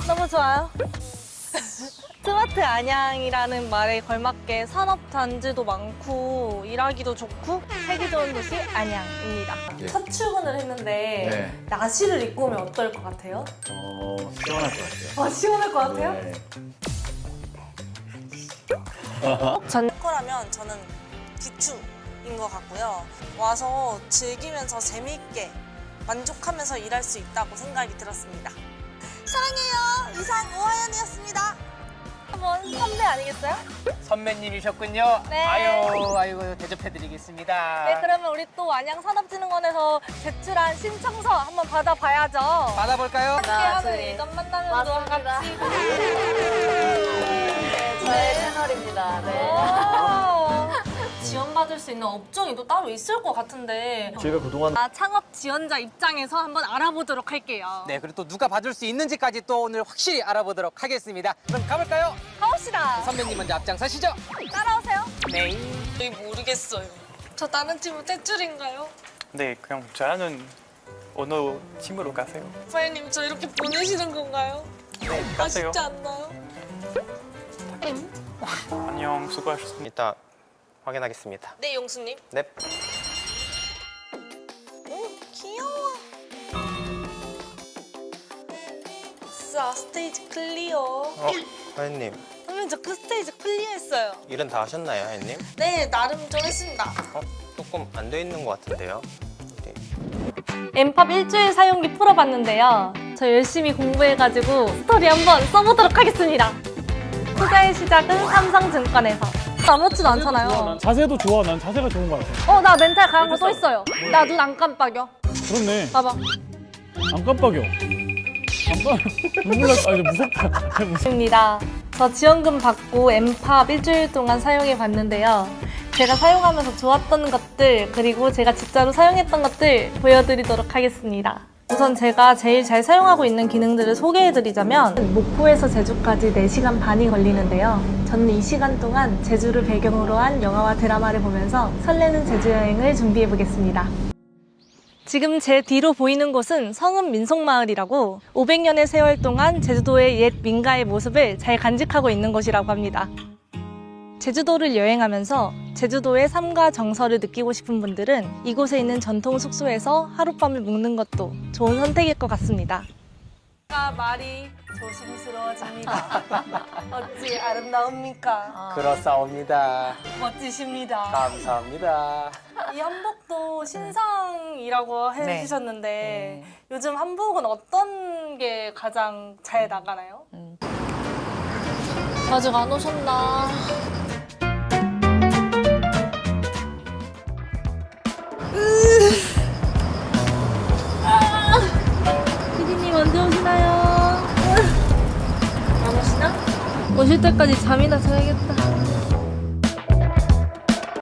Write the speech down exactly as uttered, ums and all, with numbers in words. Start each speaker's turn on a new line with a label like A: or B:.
A: 너무 좋아요. 스마트 안양이라는 말에 걸맞게 산업단지도 많고 일하기도 좋고 살기 좋은 도시 안양입니다.
B: 네.
A: 첫 출근을 했는데
B: 네.
A: 나시를 입고 오면 어떨 것 같아요?
B: 어, 시원할 것 같아요.
A: 아, 시원할 것 같아요?
B: 네.
A: 전 거라면 저는 비추인 것 같고요. 와서 즐기면서 재미있게 만족하면서 일할 수 있다고 생각이 들었습니다. 사랑해요. 이상 오하연이었습니다. 한번 선배 아니겠어요?
C: 선배님이셨군요.
A: 네.
C: 아유, 아이고 대접해드리겠습니다.
A: 네, 그러면 우리 또 안양산업진흥원에서 제출한 신청서 한번 받아봐야죠.
C: 받아볼까요?
A: 함께 하는 일전 만나면서 같이.
D: 저의 채널입니다. 네.
A: 오. 지원받을 수 있는 업종이 또 따로 있을 것 같은데
B: 제가 그동안
A: 아, 창업 지원자 입장에서 한번 알아보도록 할게요.
C: 네, 그리고 또 누가 받을 수 있는지까지 또 오늘 확실히 알아보도록 하겠습니다. 그럼 가볼까요?
A: 가봅시다.
C: 선배님 먼저 앞장서시죠.
A: 따라오세요.
C: 네.
A: 저희 모르겠어요. 저 다른 팀은 대출인가요?
E: 네, 그냥 저는 어느 팀으로 가세요.
A: 사장님 저 이렇게 보내시는 건가요?
E: 네, 가세요.
A: 아쉽지 않나요?
E: 안녕, 수고하셨습니다.
F: 이따 확인하겠습니다.
A: 네, 용수님.
F: 네.
A: 오, 귀여워. 자, 스테이지 클리어.
F: 어, 하연님,
A: 선배님 저 그 스테이지 클리어했어요.
F: 일은 다 하셨나요, 하연님?
A: 네, 나름 좀 했습니다.
F: 어, 조금 안 돼 있는 것 같은데요. 네.
A: 엠팝 일주일 사용기 풀어봤는데요. 저 열심히 공부해가지고 스토리 한번 써보도록 하겠습니다. 투자의 시작은 삼성증권에서. 아무렇지도 않잖아요.
G: 자세도 좋아. 난 자세가 좋은 것 같아.
A: 어, 나 멘탈 강한 거 또 있어요. 나 눈 안 깜빡여.
G: 그렇네.
A: 봐봐.
G: 안 깜빡여. 안 깜. 눈물 나. 아, 이제 무섭다. 무섭.
A: 입니다. 저 지원금 받고 엠팝 일주일 동안 사용해 봤는데요. 제가 사용하면서 좋았던 것들 그리고 제가 진짜로 사용했던 것들 보여드리도록 하겠습니다. 우선 제가 제일 잘 사용하고 있는 기능들을 소개해드리자면 목포에서 제주까지 네 시간 반이 걸리는데요. 저는 이 시간 동안 제주를 배경으로 한 영화와 드라마를 보면서 설레는 제주 여행을 준비해보겠습니다. 지금 제 뒤로 보이는 곳은 성읍 민속마을이라고 오백 년의 세월 동안 제주도의 옛 민가의 모습을 잘 간직하고 있는 곳이라고 합니다. 제주도를 여행하면서 제주도의 삶과 정서를 느끼고 싶은 분들은 이곳에 있는 전통 숙소에서 하룻밤을 묵는 것도 좋은 선택일 것 같습니다. 말이 조심스러워집니다. 어찌 아름다웁니까?
C: 그렇사옵니다.
A: 멋지십니다.
C: 감사합니다.
A: 이 한복도 신상이라고 해주셨는데 요즘 한복은 어떤 게 가장 잘 나가나요?
D: 음.
A: 아직 안 오셨나? 피디님 언제 오시나요? 안 오시나? 오실 때까지 잠이나 자야겠다.